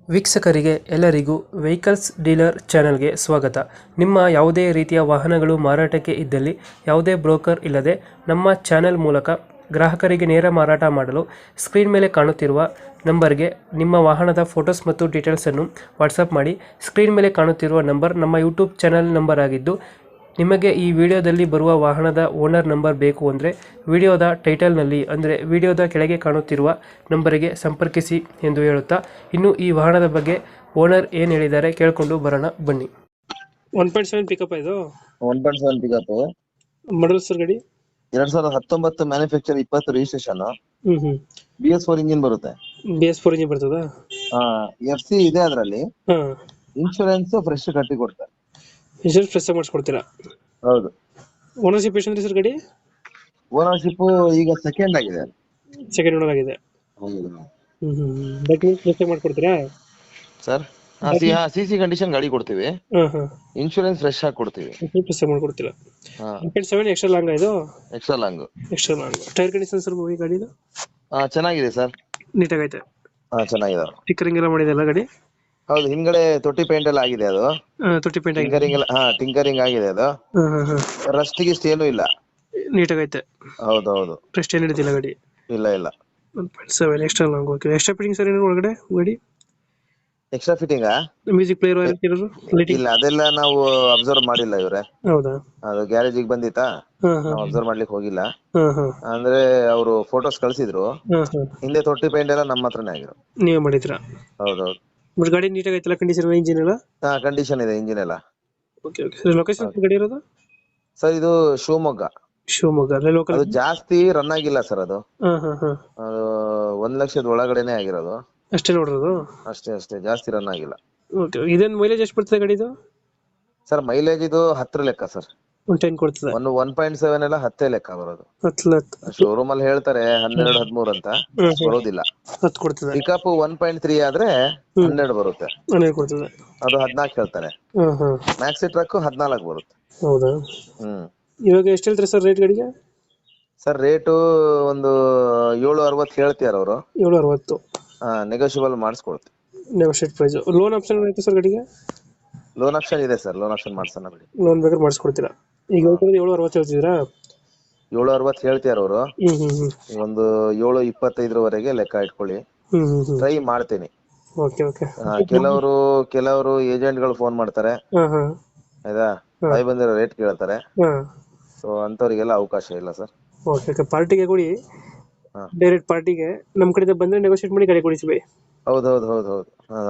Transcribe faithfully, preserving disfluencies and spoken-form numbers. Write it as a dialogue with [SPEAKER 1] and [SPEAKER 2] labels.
[SPEAKER 1] ವೀಕ್ಷಕರಿಗೆ ಎಲ್ಲರಿಗೂ vehicles dealer ಚಾನೆಲ್ಗೆ ಸ್ವಾಗತ. ನಿಮ್ಮ ಯಾವುದೇ ರೀತಿಯ ವಾಹನಗಳು ಮಾರಾಟಕ್ಕೆ ಇದ್ದಲ್ಲಿ ಯಾವುದೇ ಬ್ರೋಕರ್ ಇಲ್ಲದೆ ನಮ್ಮ ಚಾನೆಲ್ ಮೂಲಕ ಗ್ರಾಹಕರಿಗೆ ನೇರ ಮಾರಾಟ ಮಾಡಲು ಸ್ಕ್ರೀನ್ ಮೇಲೆ ಕಾಣುತ್ತಿರುವ ನಂಬರ್ಗೆ ನಿಮ್ಮ ವಾಹನದ ಫೋಟೋಸ್ ಮತ್ತು ಡೀಟೇಲ್ಸನ್ನು ವಾಟ್ಸಪ್ ಮಾಡಿ. ಸ್ಕ್ರೀನ್ ಮೇಲೆ ಕಾಣುತ್ತಿರುವ ನಂಬರ್ ನಮ್ಮ ಯೂಟ್ಯೂಬ್ ಚಾನೆಲ್ ನಂಬರ್ ಆಗಿದ್ದು, ನಿಮಗೆ ಈ ವಿಡಿಯೋದಲ್ಲಿ ಬರುವ ವಾಹನದ ಓನರ್ ನಂಬರ್ ಬೇಕು ಅಂದರೆ ವಿಡಿಯೋದ ಟೈಟಲ್ನಲ್ಲಿ ಅಂದರೆ ವಿಡಿಯೋದ ಕೆಳಗೆ ಕಾಣುತ್ತಿರುವ ನಂಬರಿಗೆ ಸಂಪರ್ಕಿಸಿ ಎಂದು ಹೇಳುತ್ತಾ, ಇನ್ನು ಈ ವಾಹನದ ಬಗ್ಗೆ ಓನರ್ ಏನು ಹೇಳಿದ್ದಾರೆ ಕೇಳಿಕೊಂಡು ಬರೋಣ ಬನ್ನಿ. ಒನ್ ಪಾಯಿಂಟ್ ಸೆವೆನ್ ಪಿಕಪ್ ಇದು
[SPEAKER 2] one point seven pickup
[SPEAKER 1] model sir ಗಾಡಿ.
[SPEAKER 2] ಎರಡ್ ಸಾವಿರದ ಹತ್ತೊಂಬತ್ತು ಮ್ಯಾನುಫ್ಯಾಕ್ಚರ್ ಇಪ್ಪತ್ತು ರಿಜಿಸ್ಟ್ರೇಷನ್.
[SPEAKER 1] ಹ್ಮ್ ಹ್ಮ್
[SPEAKER 2] ಬಿ ಎಸ್ ಫೋರ್ ಇಂಜಿನ್ ಬರುತ್ತೆ.
[SPEAKER 1] ಬಿ ಎಸ್ ಫೋರ್ ಇಂಜಿನ್ ಬರ್ತದ.
[SPEAKER 2] ಎಫ್ ಸಿ ಇದೆ ಅದರಲ್ಲಿ.
[SPEAKER 1] ಹಾ,
[SPEAKER 2] ಇನ್ಶೂರೆನ್ಸ್ ಫ್ರೆಶ್ ಕಟ್ಟಿ ಕೊಡ್ತಾರೆ.
[SPEAKER 1] ಇನ್ಶೂರೆನ್ಸ್ ಫ್ರೆಶ್ ಮಾಡಿಸ್ಕೊಡ್ತೀರಾ?
[SPEAKER 2] ಹೌದು.
[SPEAKER 1] ಓನರ್ಶಿಪ್ ಎಷ್ಟು ಸರ್ ಗಾಡಿ?
[SPEAKER 2] ಓನರ್ಶಿಪ್ ಈಗ ಸೆಕೆಂಡ್ ಆಗಿದೆ.
[SPEAKER 1] ಸೆಕೆಂಡ್ ಓನರ್ ಆಗಿದೆ.
[SPEAKER 2] ಹೌದು
[SPEAKER 1] ಹ್ಮ್ ಹ್ಮ್ ಡಾಕ್ಯುಮೆಂಟ್ಸ್ ಫ್ರೆಶ್ ಮಾಡ್ಕೊಡ್ತೀರಾ
[SPEAKER 2] ಸರ್. ಸಿ ಸಿ ಕಂಡೀಷನ್ ಗಾಡಿ ಕೊಡ್ತೀವಿ.
[SPEAKER 1] ಹಾ ಹಾ
[SPEAKER 2] ಇನ್ಶೂರೆನ್ಸ್ ಫ್ರೆಶ್ ಆಗಿ ಕೊಡ್ತೀವಿ.
[SPEAKER 1] ಫ್ರೆಶ್ ಮಾಡ್ಕೊಡ್ತೀರಾ? One point seven extra long ಇದು.
[SPEAKER 2] Extra long.
[SPEAKER 1] Extra long tyre condition sir ಈ ಗಾಡಿದು
[SPEAKER 2] ಚೆನ್ನಾಗಿದೆ ಸರ್.
[SPEAKER 1] ನೀಟಾಗೈತೆ.
[SPEAKER 2] ಹಾ ಚೆನ್ನಾಗಿದೆ.
[SPEAKER 1] ಸ್ಟಿಕ್ಕರಿಂಗ್ ಎಲ್ಲ ಮಾಡಿದೆಲ್ಲ ಗಾಡಿ?
[SPEAKER 2] ಹೌದು, ಹಿಂದ್ಗಡೆ ತೊಟ್ಟಿ ಪೇಂಟ್ ಎಲ್ಲ ಆಗಿದೆ. ಅದು
[SPEAKER 1] ಆ, ತೊಟ್ಟಿ ಪೇಂಟ್ ಆಗಿದೆ.
[SPEAKER 2] ಟಿಂಕರಿಂಗ್ ಎಲ್ಲ ಹಾ ಟಿಂಕರಿಂಗ್ ಆಗಿದೆ. ಅದು
[SPEAKER 1] ಹಾ ಹಾ ಹಾ
[SPEAKER 2] ರಸ್ಟ್ ಗಿಸ್ಟ್ ಏನೂ ಇಲ್ಲ.
[SPEAKER 1] ನೀಟಾಗೈತೆ.
[SPEAKER 2] ಹೌದೌದು.
[SPEAKER 1] ಫ್ರೆಶ್ ಏನು ಹಿಡಿದಿಲ್ಲ ಗಾಡಿ.
[SPEAKER 2] ಇಲ್ಲ ಇಲ್ಲ.
[SPEAKER 1] One point seven extra long. Okay. Extra fitting sir ಏನು ಒಳಗಡೆ ಗಾಡಿ?
[SPEAKER 2] ಎಕ್ಸ್ಟ್ರಾ ಫಿಟ್ಟಿಂಗ್
[SPEAKER 1] ಮ್ಯೂಸಿಕ್ ಪ್ಲೇಯರ್ ಇರೋದು ಲೈಟಿಂಗ್?
[SPEAKER 2] ಇಲ್ಲ, ಅದೆಲ್ಲ ನಾವು ಅಬ್ಸರ್ವ್ ಮಾಡಿಲ್ಲ ಇವ್ರೆ.
[SPEAKER 1] ಹೌದಾ?
[SPEAKER 2] ಅದು ಗ್ಯಾರೇಜಿಗೆ ಬಂದಿತ್ತಾ,
[SPEAKER 1] ಹಾ ಹಾ
[SPEAKER 2] ನಾವು ಅಬ್ಸರ್ವ್ ಮಾಡ್ಲಿಕ್ಕೆ ಹೋಗಿಲ್ಲ.
[SPEAKER 1] ಹಾ ಹಾ
[SPEAKER 2] ಅಂದ್ರೆ ಅವರು ಫೋಟೋಸ್ ಕಳ್ಸಿದ್ರು.
[SPEAKER 1] ಹಾ ಹಾ
[SPEAKER 2] ಹಿಂದೆ ತೊಟ್ಟಿ ಪೇಂಟ್ ಎಲ್ಲ ನಮ್ಮ ಹತ್ರನೇ ಆಗಿರೋ.
[SPEAKER 1] ನೀವೇ ಮಾಡಿದ್ರಾ?
[SPEAKER 2] ಹೌದೌದು.
[SPEAKER 1] ಬಟ್ ಗಾಡಿ ನೀಟಾಗೈತಲ್ಲ, ಕಂಡೀಷನ್ ಇಂಜಿನ್ ಎಲ್ಲ?
[SPEAKER 2] ಹಾ ಕಂಡೀಷನ್ ಇದೆ ಇಂಜಿನ್ ಎಲ್ಲ.
[SPEAKER 1] Okay okay. ಲೊಕೇಶನ್ ಗಾಡಿ ಇರೋದು
[SPEAKER 2] ಸರ್ ಇದು ಶಿವಮೊಗ್ಗ.
[SPEAKER 1] ಶಿವಮೊಗ್ಗ ಅಲ್ಲೇ ಲೋಕಲ್?
[SPEAKER 2] ಅದು ಜಾಸ್ತಿ ರನ್ ಆಗಿಲ್ಲ ಸರ್. ಅದು
[SPEAKER 1] ಹಾ ಹಾ ಹಾ
[SPEAKER 2] ಅದು ಒಂದ್ ಲಕ್ಷದ ಒಳಗಡೆನೆ ಆಗಿರೋದು.
[SPEAKER 1] ಅಷ್ಟೇ ನೋಡಿರೋದು?
[SPEAKER 2] ಅಷ್ಟೇ ಅಷ್ಟೇ, ಜಾಸ್ತಿ ರನ್ ಆಗಿಲ್ಲ.
[SPEAKER 1] ಓಕೆ. ಇದೇನು ಮೈಲೇಜ್ ಎಷ್ಟು ಬರ್ತದೆ ಗಾಡಿದು?
[SPEAKER 2] ಸರ್ ಮೈಲೇಜ್ ಇದು ಹತ್ರ ಲೆಕ್ಕ ಸರ್.
[SPEAKER 1] ಒಂದು ಟೆನ್ ಕೊಡ್ತದೆ.
[SPEAKER 2] ಒಂದು ಒನ್ ಪಾಯಿಂಟ್ ಸೆವೆನ್ ಎಲ್ಲ ಹತ್ತೇ ಲೆಕ್ಕ ಬರೋದು.
[SPEAKER 1] ಹತ್ತು
[SPEAKER 2] ಶೋರೂಮ್ ಅಲ್ಲಿ ಹೇಳ್ತಾರೆ ಹನ್ನೆರಡು ಹದಿಮೂರು ಅಂತ, ಬರೋದಿಲ್ಲ.
[SPEAKER 1] ಹತ್ತು ಕೊಡ್ತದೆ.
[SPEAKER 2] ಪಿಕಪ್ ಒನ್ ಪಾಯಿಂಟ್ ತ್ರೀ ಆದ್ರೆ ಹನ್ನೆರಡು ಬರುತ್ತೆ.
[SPEAKER 1] ಹನ್ನೆರಡು ಕೊಡ್ತದೆ.
[SPEAKER 2] ಅದು ಹದ್ನಾಲ್ಕು ಹೇಳ್ತಾರೆ.
[SPEAKER 1] ಹಾ ಹಾ
[SPEAKER 2] ಮ್ಯಾಕ್ಸಿ ಟ್ರಕ್ ಹದ್ನಾಲ್ಕು ಬರುತ್ತೆ.
[SPEAKER 1] ಹೌದಾ?
[SPEAKER 2] ಹ್ಮ್.
[SPEAKER 1] ಇವಾಗ ಎಷ್ಟು ಹೇಳ್ತಾರೆ ಸರ್ ರೇಟ್ ಗಾಡಿಗೆ?
[SPEAKER 2] ಸರ್ ರೇಟು ಒಂದು ಏಳು ಅರವತ್ತು ಹೇಳ್ತಿಯಾರ ಅವರು.
[SPEAKER 1] ಏಳು ಅರವತ್ತು.
[SPEAKER 2] ಹಾ, ನೆಗೋಷಿಯಬಲ್ ಮಾಡಿಸ್ಕೊಡ್ತೀವಿ.
[SPEAKER 1] Negotiate price. ಲೋನ್ ಆಪ್ಷನ್ ಐತೆ ಸರ್ ಗಾಡಿಗೆ?
[SPEAKER 2] ಲೋನ್ ಆಪ್ಷನ್ ಇದೆ ಸರ್. ಲೋನ್ ಆಪ್ಷನ್ ಮಾಡ್ಸೋಣ ಬಿಡಿ.
[SPEAKER 1] ಲೋನ್ ಬೇಕಾದ್ರೆ ಮಾಡಿಸ್ಕೊಡ್ತೀರಾ? ಈಗ ಏಳು ಅರವತ್ತು ಹೇಳ್ತಿದ್ದೀರಾ?
[SPEAKER 2] ಏಳು ಅರವತ್ತು ಹೇಳ್ತಿಯಾರ ಅವರು.
[SPEAKER 1] ಹ್ಮ್ ಹ್ಮ್ ಹ್ಮ್
[SPEAKER 2] ಒಂದು ಏಳು ಇಪ್ಪತ್ತೈದರವರೆಗೆ ಲೆಕ್ಕ ಇಟ್ಕೊಳ್ಳಿ.
[SPEAKER 1] ಹ್ಮ್ ಹ್ಮ್ ಹ್ಮ್
[SPEAKER 2] ಟ್ರೈ ಮಾಡ್ತೀನಿ.
[SPEAKER 1] Okay okay.
[SPEAKER 2] ಕೆಲವರು ಕೆಲವರು ಏಜೆಂಟ್ ಗಳು ಫೋನ್ ಮಾಡ್ತಾರೆ.
[SPEAKER 1] ಹಾ ಹಾ
[SPEAKER 2] ಆಯ್ತಾ, ಬಾಯಿ ಬಂದಿರೋ ರೇಟ್ ಕೇಳ್ತಾರೆ.
[SPEAKER 1] ಹಾ
[SPEAKER 2] ಸೊ ಅಂತವ್ರಿಗೆಲ್ಲ ಅವಕಾಶ ಇಲ್ಲ ಸರ್.
[SPEAKER 1] Okay okay. ಪಾರ್ಟಿಗೆ ಕೊಡಿ,
[SPEAKER 2] ಹಾ.
[SPEAKER 1] ಡೈರೆಕ್ಟ್ ಪಾರ್ಟಿಗೆ ನಮ್ಮ ಕಡೆಯಿಂದ ಬಂದ್ರೆ ನೆಗೋಷಿಯೇಟ್ ಮಾಡಿ ಗಾಡಿ ಕೊಡಿಸಿ ಬೈ.
[SPEAKER 2] ಹೌದೌದು ಹೌದು ಹೌದು.